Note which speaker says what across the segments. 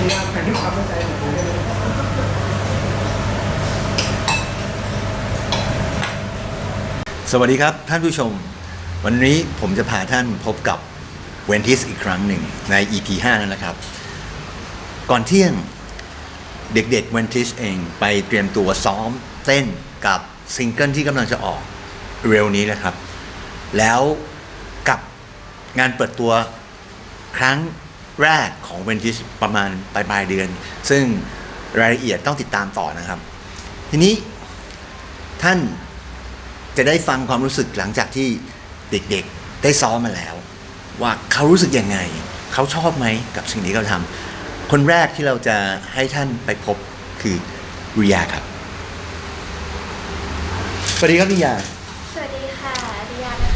Speaker 1: พยายามแผนที่ความเข้าใจของผมเลย
Speaker 2: สวัสดีครับท่านผู้ชมวันนี้ผมจะพาท่านพบกับเวนทิสอีกครั้งหนึ่งใน EP 5 นั่นแหละครับก่อนเที่ยงเด็กๆเวนทิสเองไปเตรียมตัวซ้อมเต้นกับซิงเกิลที่กำลังจะออกเร็วนี้นะครับแล้วกับงานเปิดตัวครั้งแรกของเวนทิสประมาณปลายเดือนซึ่งรายละเอียดต้องติดตามต่อนะครับทีนี้ท่านจะได้ฟังความรู้สึกหลังจากที่เด็กๆได้ซ้อมมาแล้วว่าเขารู้สึกยังไงเขาชอบไหมกับสิ่งที่เขาทำคนแรกที่เราจะให้ท่านไปพบคือริยาครับสวัสดีครับริยา
Speaker 3: สวัสดีค่ะริยานะคะ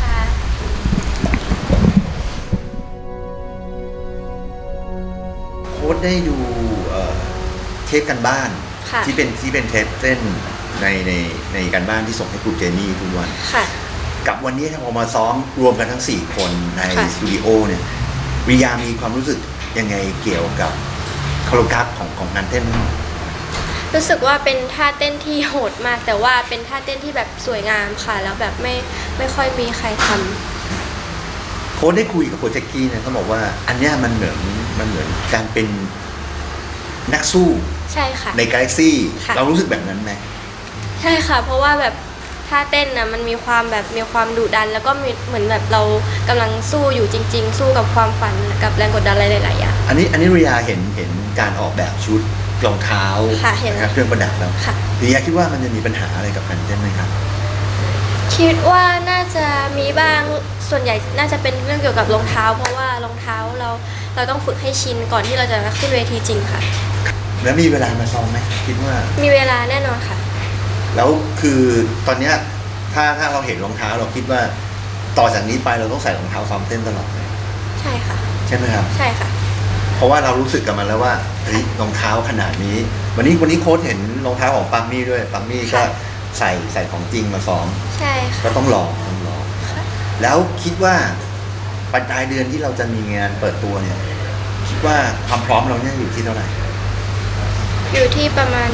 Speaker 2: โค้ชได้ดูเทปกันบ้านที่เป็นเทปเต้นในการบ้านที่ส่งให้ครูเจนี่ทุกวันกับวันนี้ถ้าพอมาซ้อมรวมกันทั้ง4คนในสตูดิโอเนี่ยริยามีความรู้สึกยังไงเกี่ยวกับโคโรกราฟของงานเต้น
Speaker 3: รู้สึกว่าเป็นท่าเต้นที่โหดมากแต่ว่าเป็นท่าเต้นที่แบบสวยงามค่ะแล้วแบบไม่ค่อยมีใครทำ
Speaker 2: โค้ชได้คุยกับโค้ชแจ็คกี้เนี่ยเขาบอกว่าอันเนี้ยมันเหมือนการเป็นนักสู้
Speaker 3: ใช่ค่ะ
Speaker 2: ในกาแล็กซี่เรารู้สึกแบบนั้นไหม
Speaker 3: ใช่ค่ะเพราะว่าแบบท่าเต้นนะมันมีความดุดันแล้วก็เหมือนแบบเรากำลังสู้อยู่จริงๆสู้กับความฝันกับแรงกดดันอะไรหลายๆอย่าง
Speaker 2: อันนี้ริยาเห็นการออกแบบชุดรองเท้านะครับเครื่องประดับแล้วริยาคิดว่ามันจะมีปัญหาอะไรกับการเต้นไหมครับ
Speaker 3: คิดว่าน่าจะมีบ้างส่วนใหญ่น่าจะเป็นเรื่องเกี่ยวกับรองเท้าเพราะว่ารองเท้าเราต้องฝึกให้ชินก่อนที่เราจะขึ้นเวทีจริงค่ะ
Speaker 2: แล้วมีเวลามาซ้อมไหมคิดว่า
Speaker 3: มีเวลาแน่นอนค่ะ
Speaker 2: แล้วคือตอนเนี้ยถ้าเราเห็นรองเท้าเราคิดว่าต่อจากนี้ไปเราต้องใส่รองเท้าซ้อมเต้นตลอดเลย
Speaker 3: ใช่ค่ะ
Speaker 2: ใช่ไหมครับ
Speaker 3: ใช่ค่ะ
Speaker 2: เพราะว่าเรารู้สึกกับมันแล้วว่าเฮ้ยรองเท้าขนาดนี้วันนี้โค้ชเห็นรองเท้าของปัมมี่ด้วยปัมมี่ก็ใส่ของจริงมาซ้อม
Speaker 3: ใช่ค่ะ
Speaker 2: ก็ต้องลองแล้วคิดว่าปลายเดือนที่เราจะมีงานเปิดตัวเนี่ยคิดว่าความพร้อมเราเนี่ยอยู่ที่เท่าไหร่
Speaker 3: อยู่ที่ประมาณ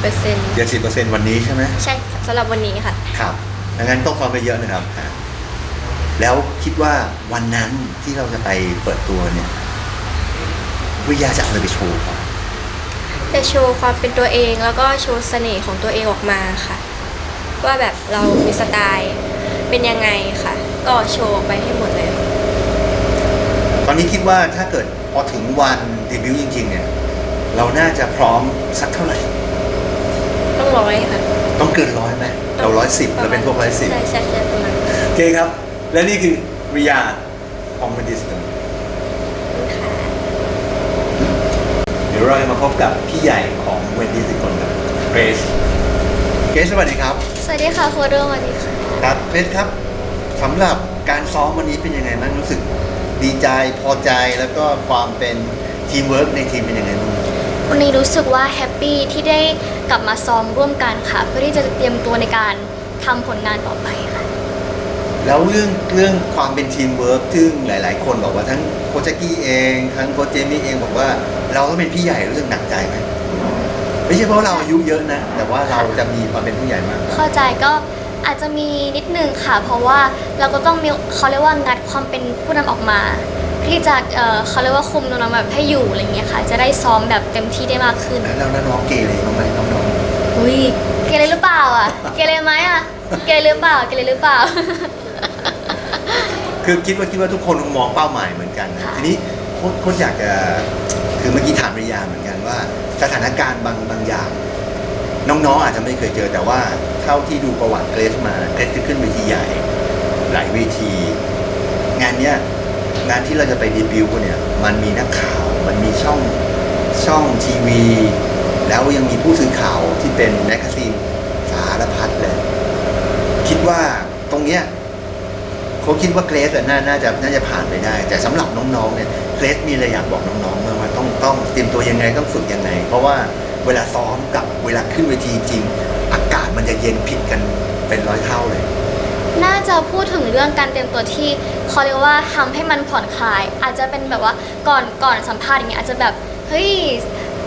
Speaker 2: 70% วันนี้ใช่ไหม
Speaker 3: ใช่สำหรับวันนี้ค่ะ
Speaker 2: ครับดังนั้นต้องซ้อมไปเยอะนะครับแล้วคิดว่าวันนั้นที่เราจะไปเปิดตัวเนี่ยวิทยาจะเอาอะไรไปโชว์ครับ
Speaker 3: จะโชว์ความเป็นตัวเองแล้วก็โชว์เสน่ห์ของตัวเองออกมาค่ะว่าแบบเรามีสไตล์เป็นยังไงค่ะก็โชว์ไปให้หมดเลย
Speaker 2: ตอนนี้คิดว่าถ้าเกิดพอถึงวันเดบิวต์จริงๆเนี่ยเราน่าจะพร้อมสักเท่าไหร่
Speaker 3: ต้อง100ค่ะ
Speaker 2: ต้องเกิน100ไหมเรา110เราเป็นพวก110
Speaker 3: ใช่ประมาณ
Speaker 2: โอเคครับและนี่คือริยาของเวนทิสกันเดี๋ยวเราจะมาพบกับพี่ใหญ่ของเวนทิสอีกคนครับเกรซสวัสดีครับ
Speaker 3: สวัสดีค่ะโค้ดสวัสดีค่ะ
Speaker 2: ครับเกรซครับสำหรับการซ้อมวันนี้เป็นยังไงบ้างรู้สึกดีใจพอใจแล้วก็ความเป็นทีมเวิร์กในทีมเป็นยังไงบ้าง
Speaker 4: วันนี้รู้สึกว่าแฮปปี้ที่ได้กลับมาซ้อมร่วมกันค่ะเพื่อที่จะเตรียมตัวในการทำผลงานต่อไปค่ะ
Speaker 2: แล้วเรื่องความเป็นทีมเวิร์กซึ่งหลายๆคนบอกว่าทั้งโคชแจ็คกี้เองทั้งโคชเจมี่เองบอกว่าเราต้องเป็นพี่ใหญ่รู้สึกหนักใจไหมไม่ใช่เพราะเราอายุเยอะนะแต่ว่าเราจะมีความเป็นผู้ใหญ่มาก
Speaker 4: เข้าใจก็อาจจะมีนิดนึงค่ะเพราะว่าเราก็ต้องมีเขาเรียกว่างัดความเป็นผู้นำออกมาที่จะเขาเรียกว่าคุมน้องๆแบบให้อยู่อะไรเงี้ยค่ะจะได้ซ้อมแบบเต็มที่ได้มากขึ้น
Speaker 2: แล้วน้องเกเรบ้างไหมน้อง
Speaker 4: ๆอุ้ยเกเรหรือเปล่าอ่ะเกเรไหมอ่ะเกเรหรือเปล่า
Speaker 2: คือคิดว่าทุกคนคงมองเป้าหมายเหมือนกันนะทีนี้โค้ชอยากจะคือเมื่อกี้ถามริยาเหมือนกันว่าสถานการณ์บางอย่างน้องๆอาจจะไม่เคยเจอแต่ว่าเท่าที่ดูประวัติเกรซมาเกรซจะขึ้นเวทีใหญ่หลายเวทีงานเนี้ยงานที่เราจะไปเดบิวต์เนี่ยมันมีนักข่าวมันมีช่องทีวีแล้วยังมีผู้สื่อข่าวที่เป็นแมกกาซีนสารพัดเลยคิดว่าตรงเนี้ยเขาคิดว่าเกรซน่าจะผ่านไปได้แต่สำหรับน้องๆเนี่ยเกรซมีอะไรอยากบอกน้องๆว่าต้องเตรียมตัวยังไงต้องฝึกยังไงเพราะว่าเวลาซ้อมกับเวลาขึ้นเวทีจริงอากาศมันจะเย็นผิดกันเป็น100 เท่าเลย
Speaker 4: น่าจะพูดถึงเรื่องการเตรียมตัวที่เขาเรียกว่าทำให้มันผ่อนคลายอาจจะเป็นแบบว่าก่อนสัมภาษณ์อย่างเงี้ยอาจจะแบบเฮ้ย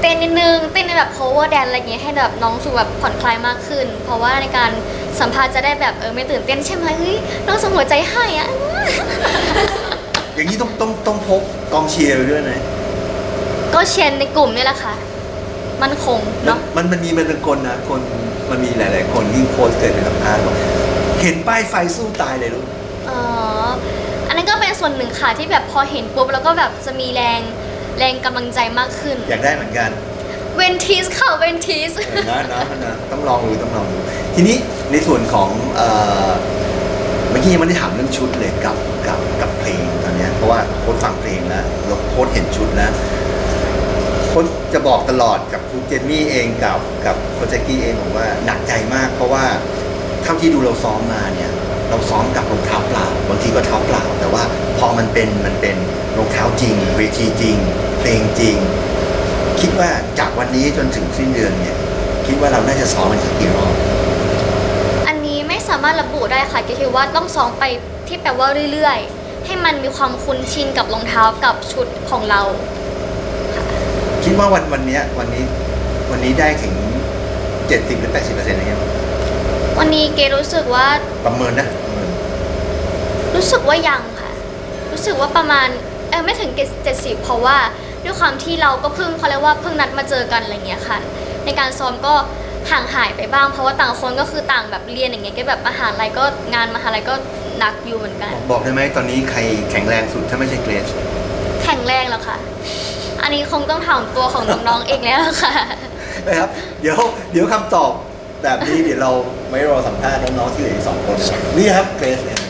Speaker 4: เต้นนิดนึงเต้นในแบบ cover dance อะไรเงี้ยให้แบบน้องรู้สึกแบบผ่อนคลายมากขึ้น เพราะว่าในการสัมภาษณ์จะได้แบบไม่ตื่นเต้นใช่ไหมเฮ้ยน้องส่งหัวใจให้อะ
Speaker 2: อย่างนี้ต้องพกกองเชียร์ไปด้วยนะ
Speaker 4: ก็เชียร์ในกลุ่มนี่แหละค่ะมันคงเนาะ
Speaker 2: มันมีเป็นคนนะคนมันมีหลาย ๆ คนที่โพสต์เกิดเป็นสัมภาษณ์บอกเห็นป้ายไฟสู้ตายเลยลูก
Speaker 4: อ๋ออันนั้นก็เป็นส่วนหนึ่งค่ะที่แบบพอเห็นปุ๊บแล้วก็แบบจะมีแรงกำลังใจมากขึ้น
Speaker 2: อยากได้เหมือนกัน
Speaker 4: เวนทีสค่ะเวนทีส
Speaker 2: นะต้องลองดูทีนี้ในส่วนของเมื่อกี้ยังไม่ได้ถามเรื่องชุดเลยกับเพลงตอนเนี้ยเพราะว่าโค้ชฟังเพลงแล้วโค้ชเห็นชุดแล้วโค้ชจะบอกตลอดกับครูเจนนี่เองกับโค้ชแจ็กกี้เองบอกว่าหนักใจมากเพราะว่าเท่าที่ดูเราซ้อมมาเนี่ยเราซ้อมกับรองเท้าเปล่าบางทีก็เท้าเปล่าแต่ว่าพอมันเป็นรองเท้าจริงเวทีจริงเพลงจริงคิดว่าจากวันนี้จนถึงสิ้นเดือนเนี่ยคิดว่าเราน่าจะซ้อมมันสักกี่รอบ
Speaker 4: อันนี้ไม่สามารถระบุได้ค่ะก็คือว่าต้องซ้อมไปที่แปลว่าเรื่อยๆ ให้มันมีความคุ้นชินกับรองเท้ากับชุดของเรา
Speaker 2: คิดว่าวันนี้ได้ถึง 70 หรือ 80%อะไรเงี้ย
Speaker 4: วันนี้เกรู้สึกว่า
Speaker 2: ประเมินนะ
Speaker 4: รู้สึกว่ายังค่ะ รู้สึกว่าประมาณไม่ถึง70เพราะว่าด้วยความที่เราก็เพิ่งเขาเรียกว่าเพิ่งนัดมาเจอกันอะไรเงี้ยค่ะในการซ้อมก็ห่างหายไปบ้างเพราะว่าต่างคนก็คือต่างแบบเรียนอย่างเงี้ยก็แบบมหาลัยก็งานมหาลัยก็หนักอยู่เหมือนกัน
Speaker 2: บอกได้ไหมตอนนี้ใครแข็งแรงสุดถ้าไม่ใช่เกรซ
Speaker 4: แข็งแรงแล้วค่ะ อันนี้คงต้องถามตัวของน้องๆเองแล้วค่ะ
Speaker 2: นะครับเดี๋ยวคำตอบแบบนี้เดี๋ยวเราไม่รอสัมภาษณ์น้องๆที่เหลืออีก2 คนนะครับนี่ครับเกรซเนี่ย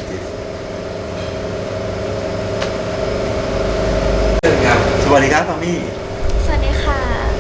Speaker 2: สวัสดีครับปามี่
Speaker 4: สวัสดีค่ะ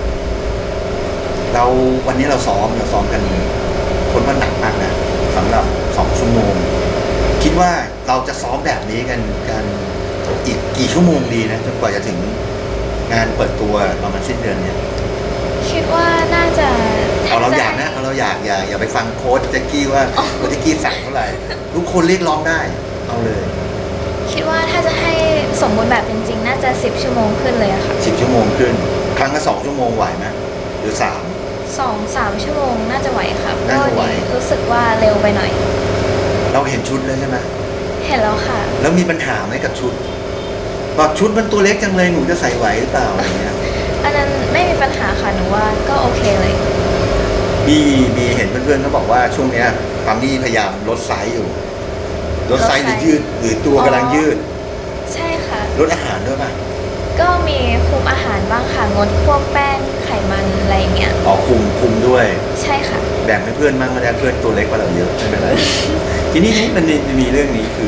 Speaker 2: วันนี้เราซ้อมกันคนว่าหนักมากนะสำหรับ2 ชั่วโมงคิดว่าเราจะซ้อมแบบนี้กันอีกกี่ชั่วโมงดีนะจนกว่าจะถึงงานเปิดตัวประมาณสิ้นเดือนเนี่ย
Speaker 4: คิดว่าน่าจะ
Speaker 2: เอาเราอยากนะเอาเราอยากอย่าไปฟังโค้ชแจ็คกี้ว่าโค้ชแจ็คกี้สั่งเท่าไหร่ทุกคนเรียกร้องได้เอาเลย
Speaker 5: คิดว่าถ้าจะให้สมบูรณ์แบบจริงๆ น่าจะ10 ชั่วโมงขึ้นเลยอะค่ะ
Speaker 2: 10 ชั่วโมงขึ้น ครั้งละ2 ชั่วโมงไหวไหมหรือ
Speaker 5: 2-3 ชั่วโมงน่าจะไหวค่ะเพ
Speaker 2: น่า
Speaker 5: ราะ
Speaker 2: จะไหว
Speaker 5: นี้รู้สึกว่าเร็วไปหน่อย
Speaker 2: เราเห็นชุดแล้วใช่ไหม
Speaker 5: เห็นแล้วค่ะ
Speaker 2: แล้วมีปัญหาไหมกับชุดบอกชุดมันตัวเล็กจังเลยหนูจะใส่ไหวหรือเปล่าอะไรเงี้ย
Speaker 5: อันนั้นไม่มีปัญหาค่ะหนูว่าก็โอเคเลย
Speaker 2: มีเห็นเพื่อนๆเขาบอกว่าช่วงเนี้ยปามี่พยายามลดไซส์อยู่ลดไซส์หรือยืดหรือตัวกำลังยืด
Speaker 5: ใช่ค่ะ
Speaker 2: ลดอาหารด้วยป่ะ
Speaker 5: ก็มีคุมอาหารบ้างค่ะงดพวกแป้งไขมันอะไรอย่างเงี้ย
Speaker 2: อ๋อคุมด้วย
Speaker 5: ใช่ค่ะ
Speaker 2: แบ่งให้เพื่อนบ้างไม่ได้เพื่อนตัวเล็กกว่าเราเยอะไม่เป็นไร ทีนี้มันมีเรื่องนี้คือ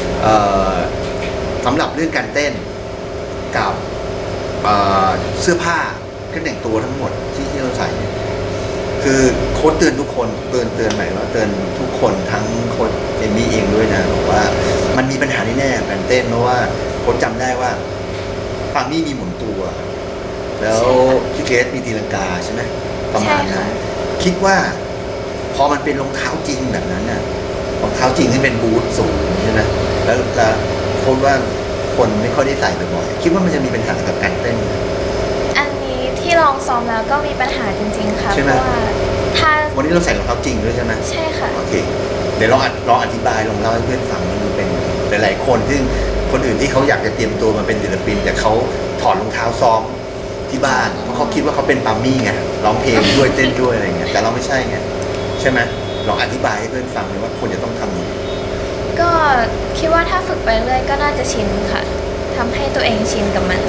Speaker 2: สำหรับเรื่องการเต้นกับเสื้อผ้าเครื่องแต่งตัวทั้งหมดที่เราใส่เนี่ยคือโค้ชเตือนทุกคนเตือนหมายว่าเตือนทุกคนทั้งโค้ชเอมมี่เองด้วยนะบอกว่ามันมีปัญหาแน่ๆการเต้นเพราะว่าโค้ชจำได้ว่าปามี่มีหมุนตัว แล้วพี่เกรซมีตีลังกาใช่ไหมประมาณ
Speaker 5: ใช่
Speaker 2: นั้
Speaker 5: ค่ะ
Speaker 2: นคิดว่าพอมันเป็นรองเท้าจริงแบบนั้นน่ะรองเท้าจริงที่เป็นบูทสูงใช่ไหมแล้วโค้ชว่าคนไม่ค่อยได้ใส่บ่อยๆคิดว่ามันจะมีปัญหากับการเต้น
Speaker 5: อันนี้ที่ลองซ้อมแล้วก็มีปัญหาจริงๆค่ะ
Speaker 2: ใช่
Speaker 5: เพ
Speaker 2: ไหม
Speaker 5: ราะว่าถ้า
Speaker 2: วันนี้เราใส่รองเท้าจริงด้วยใช่ไหม
Speaker 5: ใช่ค่ะ
Speaker 2: โอเคเดี๋ยวลองอธิบายลองเล่าให้เพื่อนฟังมันดูเป็นหลายๆคนซึ่งคนอื่นที่เขาอยากจะเตรียมตัวมาเป็นศิลปินแต่เขาถอดรองเท้าซ้อมที่บ้านเพราะเขาคิดว่าเขาเป็นปามี่ไงร้องเพลงด้วยเต้นด้วยอะไรเงี้ยแต่เราไม่ใช่ไงใช่ไหมลองอธิบายให้เพื่อนฟังเลยว่าควรจะต้องทำยังไง
Speaker 5: ก็คิดว่าถ้าฝึกไปเรื่อยก็น่าจะชินค่ะทำให้ตัวเองชินกับมัน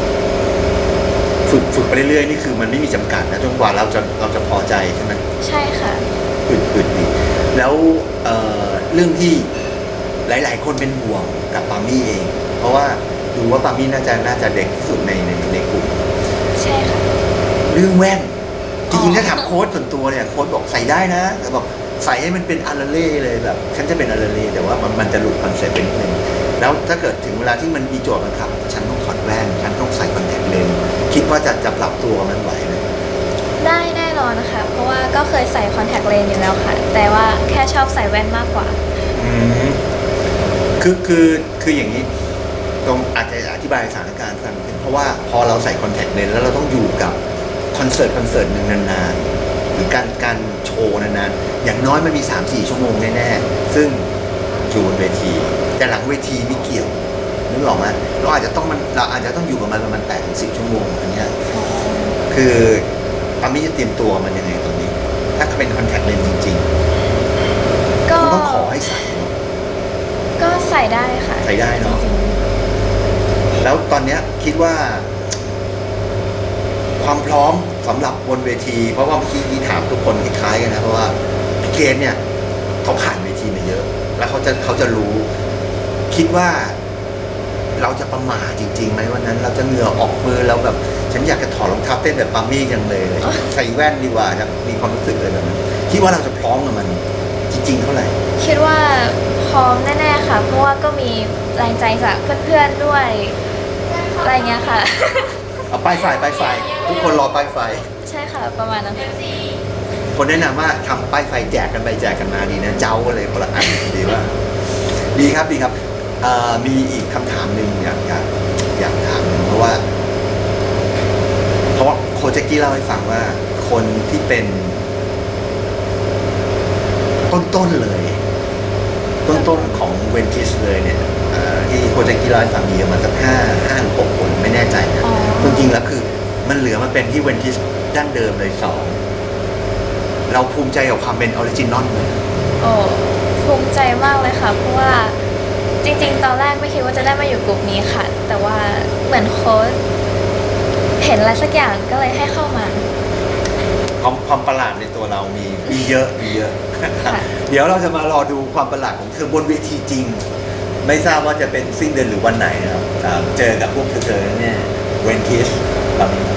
Speaker 2: ฝึกไปเรื่อยๆนี่คือมันไม่มีจำกัดนะจนกว่าเราจะพอใจใช่ไหม
Speaker 5: ใช่ค่ะ
Speaker 2: ฝึกดีแล้วเรื่องที่หลายๆคนเป็นห่วงกับปามี่เอง เพราะว่าดูว่าปามี่น่าจะเด็กที่สุดในกลุ่ม
Speaker 5: ใช่ค่ะ
Speaker 2: เรื่องแว่นจริงๆถ้าถามโค้ชส่วนตัวเนี่ยโค้ชบอกใส่ได้นะแต่บอกใส่ให้มันเป็นอาราเล่เลยแบบฉันจะเป็นอาราเล่แต่ว่ามันจะหลุดคอนเซ็ปต์ไปนิดนึงแล้วถ้าเกิดถึงเวลาที่มันมีโจทย์บังคับฉันต้องถอดแว่นฉันต้องใส่คอนแทคเลนส์คิดว่าจะปรับตัวกับมันไหวไหม
Speaker 5: ได้แน่นอนนะคะ เพราะว่าก็เคยใส่คอนแทคเลนส์อยู่แล้วค่ะ แต่ว่าแค่ชอบใส่แว่นมากกว่า
Speaker 2: คืออย่างนี้ตรงอาจจะอธิบายสถานการณ์ฟังเพราะว่าพอเราใส่คอนแทคเลนส์แล้วเราต้องอยู่กับคอนเสิร์ตหนึ่งนานๆหรือการโชว์นานๆอย่างน้อยมันมี 3-4 ชั่วโมงแน่ๆซึ่งอยู่บนเวทีแต่หลังเวทีไม่เกี่ยวนึกออกไหมเราอาจจะต้องอยู่กับมันประมาณ8-10 ชั่วโมงอันเนี้ยคือปามี่จะเตรียมตัวมันยังไงตอนนี้ ถ้าเป็นคอนแทคเลนส์จริงๆ
Speaker 5: ก็
Speaker 2: คุณต้องขอให้ใส่เนอะ
Speaker 5: ก็ใส่ได้ค่ะ
Speaker 2: ใส่ได้เนอะ
Speaker 5: จริง
Speaker 2: แล้วตอนเนี้ยคิดว่า ความพร้อมสำหรับบนเวที เพราะว่าเมื่อกี้ที่ถามทุกคนคล้ายๆกันนะเพราะว่าพี่เกณฑ์เนี่ยเขาผ่านเวทีมาเยอะ แล้วเขาจะรู้ คิดว่าเราจะประมาทจริงๆไหมวันนั้น เราจะเหงื่อออกมือเราแบบฉันอยากจะถอดรองเท้าเต้นแบบปามี่จังเลยใส่แว่นดีกว่าครับมีความรู้สึกเลยแบบนั้นคิดว่าเราจะพร้อมกับมันจริงๆเท่าไหร่
Speaker 5: ๆคิดว่าพร้อมแน่ๆค่ะ เพราะว่าก็มีแรงใจจากเพื่อนๆด้วยอะไรเงี้ยค่ะ
Speaker 2: เอาป้ายไฟทุกคนรอป้ายไฟ
Speaker 5: ใช่ค่ะประมาณนั้น
Speaker 2: คนแนะนำว่าทำป้ายไฟแจกกันไปแจกกันมาดีนะเจ้าเลยคนละอันดีว่า ดีครับมีอีกคำถามหนึ่งอยากถามหนึ่งเพราะว่าโคชแจ็กกี้เล่าให้ฟังว่าคนที่เป็นต้นเลยต้นของเวนทิสเลยเนี่ยที่โคชแจ็กกี้เล่าให้ฟังมีประมาณสัก5 หรือ 6 คนไม่แน่ใจนะ
Speaker 5: อ๋อ
Speaker 2: จริงๆแล้วคือมันเหลือมาเป็นที่เวนทิสดั้งเดิมเลย2เราภูมิใจกับความเป็นออริจินอลไหม
Speaker 5: โอ้ภูมิใจมากเลยค่ะ เพราะว่าจริงๆ ตอนแรกไม่คิดว่าจะได้มาอยู่กลุ่มนี้ค่ะ แต่ว่าเหมือนโค้ชเห็นอะไรสักอย่างก็เลยให้เข้ามา
Speaker 2: ความประหลาดในตัวเรามีเยอะ
Speaker 5: ค่ะ
Speaker 2: เดี๋ยวเราจะมารอดูความประหลาดของเธอบนเวทีจริง ไม่ทราบว่าจะเป็นสิ้นเดือนหรือวันไหนนะครับเจอกับพวกเธอเนี่ยเวนทิสแบบนี้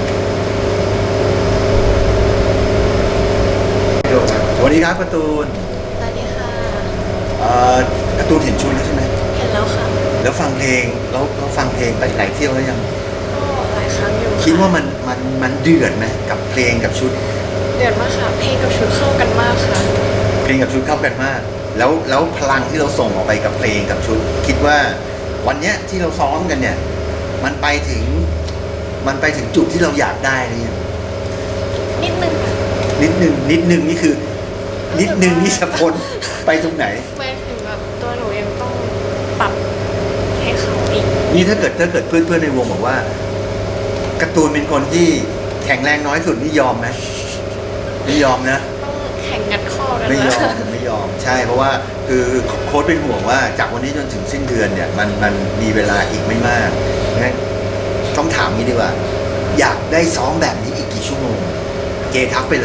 Speaker 2: สวัสดีครับการ์ตูน
Speaker 5: สวัสดีค่ะ
Speaker 2: การ์ตูนเห็นชุดแล้วใช่ไหม
Speaker 5: เห็นแล้วค่ะ
Speaker 2: แล้วฟังเพลงแล้วฟังเพลงไปหลายเที่ยวแล้วยัง
Speaker 5: ก็หลายครั้งอยู่
Speaker 2: คิดว่ามันเดือดไหมกับเพลงกับชุด
Speaker 5: เดือดมากค่ะ เพลงกับชุดเข้ากันมากค่ะ
Speaker 2: เพลงกับชุดเข้ากันมาก แล้วพลังที่เราส่งออกไปกับเพลงกับชุด คิดว่าวันเนี้ยที่เราซ้อมกันเนี่ย มันไปถึงจุดที่เราอยากได้หรือยัง
Speaker 5: นิดนึงค่ะ
Speaker 2: นิดนึงนี่คือ นิดนึงนี่จะพ้นไปตรงไหน
Speaker 5: ไม่ถึงแบบตัวหนูยังต้องปรับให้เขาอีก
Speaker 2: นี่ถ้าเกิดเพื่อนในวงบอกว่าการ์ตูนเป็นคนที่แข็งแรงน้อยสุดนี่ยอมไหมไม่ยอมนะ
Speaker 5: ต้องแข่งงัดข้อกัน
Speaker 2: ไม่ยอ
Speaker 5: นะ
Speaker 2: มไม่ยอมใช่เพราะว่าคือโค้ชเป็นห่วงว่าจากวันนี้จนถึงสิ้นเดือนเนี่ยมันมีเวลาอีกไม่มากงั้นต้องถามนี้ดีกว่า อยากได้ซ้อมแบบนี้อีกกี่ชั่วโมงเกทักไปเลย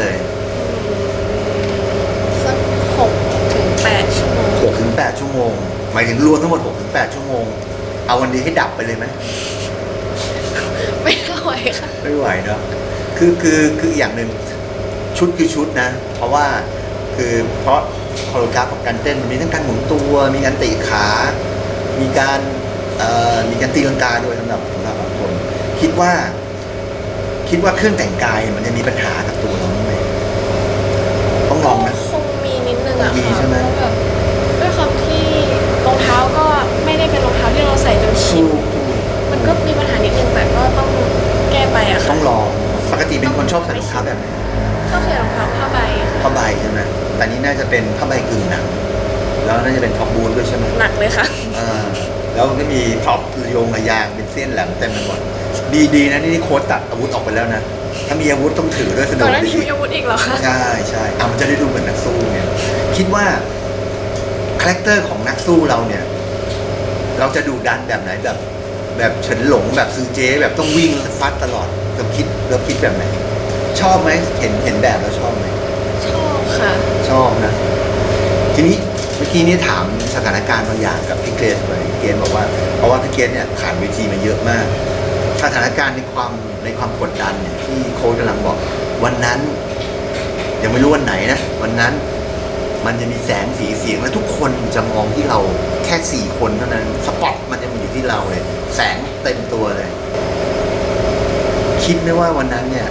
Speaker 5: สัก6 ถึง 8 ชั่วโมง
Speaker 2: 6-8 ชั่วโมง หมายถึงรวมทั้งหมด6-8 ชั่วโมง เอาวันนี้ให้ดับไปเลยไหม
Speaker 5: ไม่ไหวค่ะ
Speaker 2: ไม่ไหวเนาะคืออย่างหนึ่งชุดคือชุดนะ เพราะว่าเพราะโคโรกราฟของการเต้นมันมีทั้งการหมุนตัว มีการเตะขา มีการตีลังกาด้วยสำหรับบางคน คิดว่าเครื่องแต่งกายมันจะมีปัญหากับตัวเราไหมต้องลองนะ
Speaker 5: คงมีนิดนึงอะ
Speaker 2: มี
Speaker 5: ค่ะ
Speaker 2: ใช่ไหม
Speaker 5: เพราะแบบด้วยความที่รองเท้าก็ไม่ได้เป็นรองเท้าที่เราใส่จนชินมันก็มีปัญหานิดนึงแต่ก็ต้องแก้ไปอะค่ะ
Speaker 2: ต้องลองปกติเป็นคนชอบใส่รองเท้าแบบไหน
Speaker 5: ก็คือรองเท้าผ้าใบค่ะ
Speaker 2: ผ้าใบใช่ไหมแต่นี่น่าจะเป็นผ้าใบกึ่งหนังแล้วน่าจะเป็นท็อปบูทด้วยใช่ไหม
Speaker 5: หนักเลยค่ะ
Speaker 2: แล้วก็มีท็อปโยงระยางเป็นเส้นแหลมเต็มไปหมดดีนะนี่โค้ชตัดอาวุธออกไปแล้วนะถ้ามีอาวุธต้องถือด้วยสะด
Speaker 5: ก่
Speaker 2: ว
Speaker 5: อน
Speaker 2: ก
Speaker 5: หน้า
Speaker 2: ดี
Speaker 5: นี้มีอาวุธอีกเหรอคะ
Speaker 2: ใช่มันจะได้ดูเหมือนนักสู้เนี่ยคิดว่าคาแรคเตอร์ของนักสู้เราเนี่ย เราจะดูดันแบบไหนแบบเฉินหลงแบบซือเจ๊แบบต้องวิ่งฟัดตลอดเราคิดแบบไหน ชอบไหมเห็นแบบแล้วชอบไหม
Speaker 5: ชอบค่ะ
Speaker 2: ชอบนะ ทีนี้เมื่อกี้นี้ถามสถานการณ์บางอย่างกับพี่เกรซไปพี่เกรซบอกว่าเพราะว่าพี่เกรซเนี่ยผ่านเวทีมาเยอะมาก สถานการณ์ในความกดดันเนี่ยที่โค้ชกำลังบอก วันนั้น ยังไม่รู้วันไหนนะวันนั้นมันจะมีแสงสีเสียงและทุกคนจะมองที่เราแค่4 คนเท่านั้นสปอตมันจะมาอยู่ที่เราเลย แสงเต็มตัวเลย คิดไหมว่าวันนั้นเนี่ย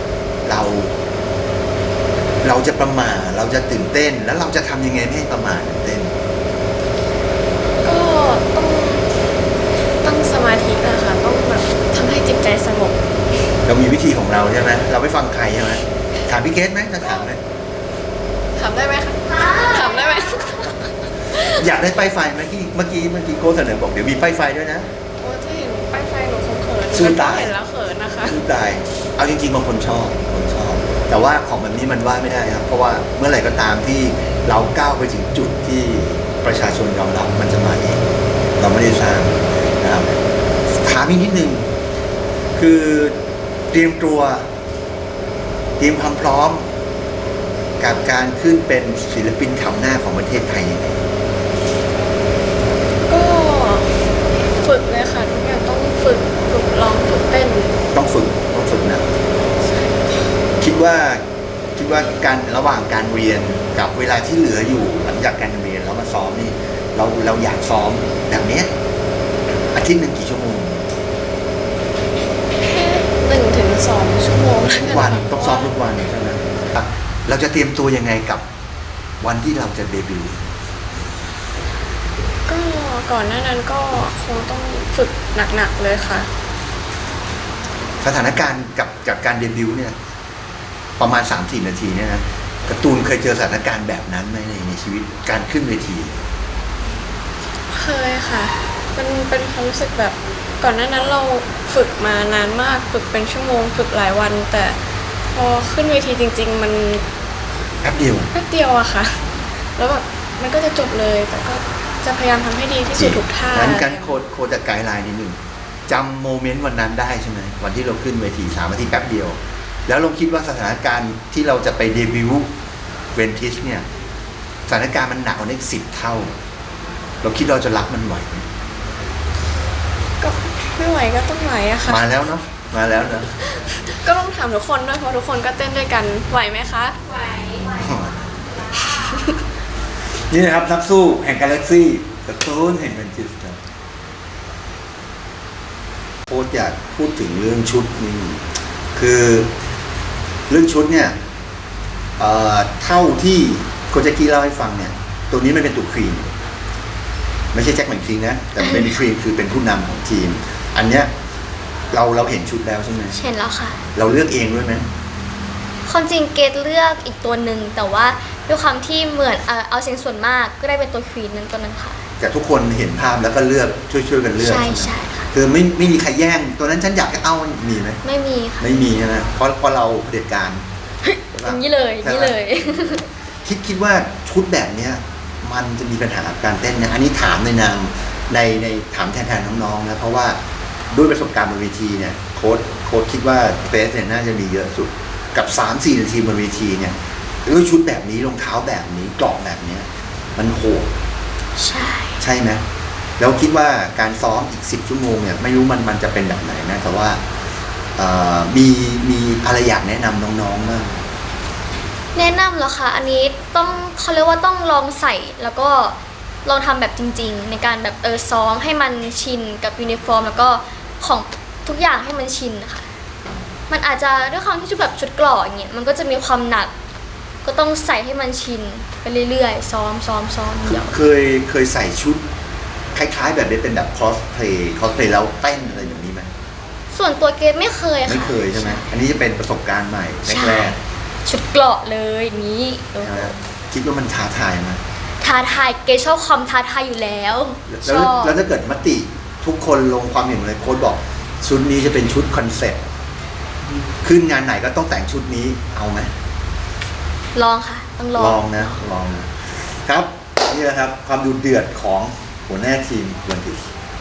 Speaker 2: เราจะประมาทเราจะตื่นเต้นแล้วเราจะทำยังไงไม่ให้ประมาทตื่นเต้น
Speaker 5: ก็ต้องตั้งสมาธินะคะต้องแบบทำให้จิตใจสงบ
Speaker 2: เรามีวิธีของเราใช่ไหมเราไม่ฟังใครใช่ไหมถามพี่เกดไหมจะถามไหม
Speaker 3: ถามได้ไหมคะถามได้ไหม
Speaker 2: อยากได้ป้ายไฟไหมที่เมื่อกี้โค้ชเสนอบอกเดี๋ยวมีป้ายไฟด้วยนะ
Speaker 3: โอ้ที่เห็นป้ายไฟหนูคงเขิน
Speaker 2: สู้ตาย
Speaker 3: เห็นแล้วเขินนะคะ
Speaker 2: สู้ตายเอาจริงๆบางคนชอบ แต่ว่าของแบบนี้มันว่าไม่ได้ครับ เพราะว่าเมื่อไหร่ก็ตามที่เราก้าวไปถึงจุดที่ประชาชนยอมรับมันจะมาเองเราไม่ได้สร้างนะครับถามอีกนิดนึงคือเตรียมความพร้อมกับการขึ้นเป็นศิลปินแถวหน้าของประเทศไทยยังไง
Speaker 3: ก็ฝึกเลยค่ะทุกอย่างต้องฝึกร้องฝึกเต้น
Speaker 2: ต้องฝึกนะคิดว่าการระหว่างการเรียนกับเวลาที่เหลืออยู่หลังจากการเรียนแล้วมาซ้อมนี่เราอยากซ้อมแบบเนี้ยอาทิตย์หนึ่งกี่ชั่วโมง
Speaker 3: แค่1 ถึง 2 ชั่วโมง
Speaker 2: ทุกวันต้องซ้อมทุกวันใช่ไหมเราจะเตรียมตัวยังไงกับวันที่เราจะเดบิวต์
Speaker 3: ก็ก่อนหน้านั้นก็คงต้องฝึกหนักๆเลยค่ะ
Speaker 2: สถานการณ์กับการเดบิวต์เนี่ยประมาณ 3-4 นาทีเนี่ยนะการ์ตูนเคยเจอสถานการณ์แบบนั้นไหมในชีวิตการขึ้นเวที
Speaker 3: เคยค่ะมันเป็นความรู้สึกแบบก่อนหน้านั้นเราฝึกมานานมากฝึกเป็นชั่วโมงฝึกหลายวัน แต่พอขึ้นเวทีจริงๆมัน
Speaker 2: แป๊บเดียว
Speaker 3: แป๊บเดียวอะค่ะ แล้วแบบมันก็จะจบเลยแต่ก็จะพยายามทำให้ดีที่สุดทุกท่า
Speaker 2: งั้นการโคจะไกด์ไลน์นิดนึงจำโมเมนต์วันนั้นได้ใช่ไหมวันที่เราขึ้นเวที3 นาทีแป๊บเดียว แล้วเราคิดว่าสถานการณ์ที่เราจะไปเดบิวต์เวนทิสเนี่ยสถานการณ์มันหนักกว่านี้10 เท่า เราคิดเราจะรับมันไหวไหม
Speaker 3: ก็ไม่ไหวก็ต้องไหวอะค่ะ
Speaker 2: มาแล้วเนาะ
Speaker 3: ก็ต้องถามทุกคนด้วยเพราะทุกคนก็เต้นด้วยกันไหวไหมคะ ไหว
Speaker 2: นี่นะครับนักสู้แห่งกาแล็กซี่กระตูนแห่งเวนทิสครับโค้ชอยากพูดถึงเรื่องชุดนี่คือเรื่องชุดเนี่ยเท่าที่โคชแจ็คกี้เล่าให้ฟังเนี่ยตัวนี้มันเป็นตัวครีมไม่ใช่แจ็คแมนครีมนะแต่เป็นครีมคือเป็นผู้นำของทีม อันเนี้ยเราเห็นชุดแล้วใช่ไหม
Speaker 4: เห็นแล้วค่ะ
Speaker 2: เราเลือกเองด้วยไหม
Speaker 4: ความจริงเกดเลือกอีกตัวหนึ่งแต่ว่าด้วยความที่เหมือนเอาเสียงส่วนมากก็ได้เป็นตัวควีนนั้นตัวนั้นค่ะ
Speaker 2: แต่ทุกคนเห็นภาพแล้วก็เลือกช่วยกันเลือก
Speaker 4: ใช่
Speaker 2: ไหม
Speaker 4: ใช่ค่ะ
Speaker 2: คือไม่มีใครแย่งตัวนั้นฉันอยากจะเอามีไหม
Speaker 4: ไม่มีค่ะ
Speaker 2: ไม่มีใช่ไหมเพราะเราเผด็จการ
Speaker 4: อย่างนี้เลยอย่างนี้เลย
Speaker 2: คิดว่าชุดแบบเนี้ยมันจะมีปัญหาการเต้นนะอันนี้ถามในนามในถามแทนน้องๆนะเพราะว่าด้วยประสบการณ์บนเวทีเนี่ยโค้ชคิดว่าเฟสเนี่ยน่าจะมีเยอะสุดกับ 3-4 นาทีบนเวทีเนี่ยด้วยชุดแบบนี้รองเท้าแบบนี้กรอบแบบเนี้ยมันโหด ใช่ไหมแล้วคิดว่าการซ้อมอีก10 ชั่วโมงเนี่ยไม่รู้มันจะเป็นแบบไหนนะแต่ว่ามีอะไรอยากแนะนำน้องๆบ้าง
Speaker 4: แนะนำเหรอคะอันนี้ต้องเขาเรียกว่าต้องลองใส่แล้วก็ลองทำแบบจริงๆ ในการแบบซ้อมให้มันชินกับยูนิฟอร์มแล้วก็ของทุกอย่างให้มันชินนะคะมันอาจจะด้วยความที่ชุดแบบชุดเกราะอย่างเงี้ยมันก็จะมีความหนักก็ต้องใส่ให้มันชินไปเรื่อยๆซ้อมเดี๋ยว
Speaker 2: เคยใส่ชุดคล้ายๆแบบนี้เป็นแบบคอสเพลย์แล้วเต้นอะไรอย่างนี้ไหม
Speaker 4: ส่วนตัวเกดไม่เคยค่ะ
Speaker 2: ไม่เคยใช่ไหมอันนี้จะเป็นประสบการณ์ใหม่แรก
Speaker 4: ชุดเกราะเลยอย่างนี้
Speaker 2: ๆใช่ไหมคิดว่ามันท้าทายไหม
Speaker 4: ท้าทายเกดชอบความท้าทายอยู่แล้วชอบ
Speaker 2: แล้วถ้าเกิดมติทุกคนลงความเห็นเลยโค้ชบอกชุดนี้จะเป็นชุดคอนเซ็ปต์ขึ้นงานไหนก็ต้องแต่งชุดนี้เอาไหม
Speaker 4: ลองค่ะต้องลอง
Speaker 2: ลองนะครับนี่แหละครับความดูเดือดของหัวหน้าทีมวันทิส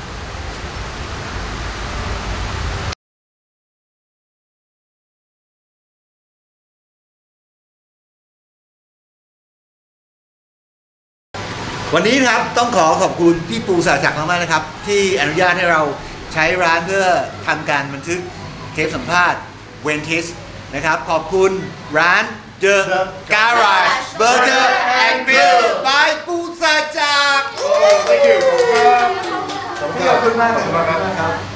Speaker 2: วันนี้ครับต้องขอบคุณพี่ปูสาจักรมากๆนะครับที่อนุญาตให้เราใช้ร้านเพื่อทำการบันทึกเทปสัมภาษณ์เวนทิสนะครับขอบคุณร้าน The Garage Burger and Grill by ปูสาจักร
Speaker 1: ขอบคุณมากครับ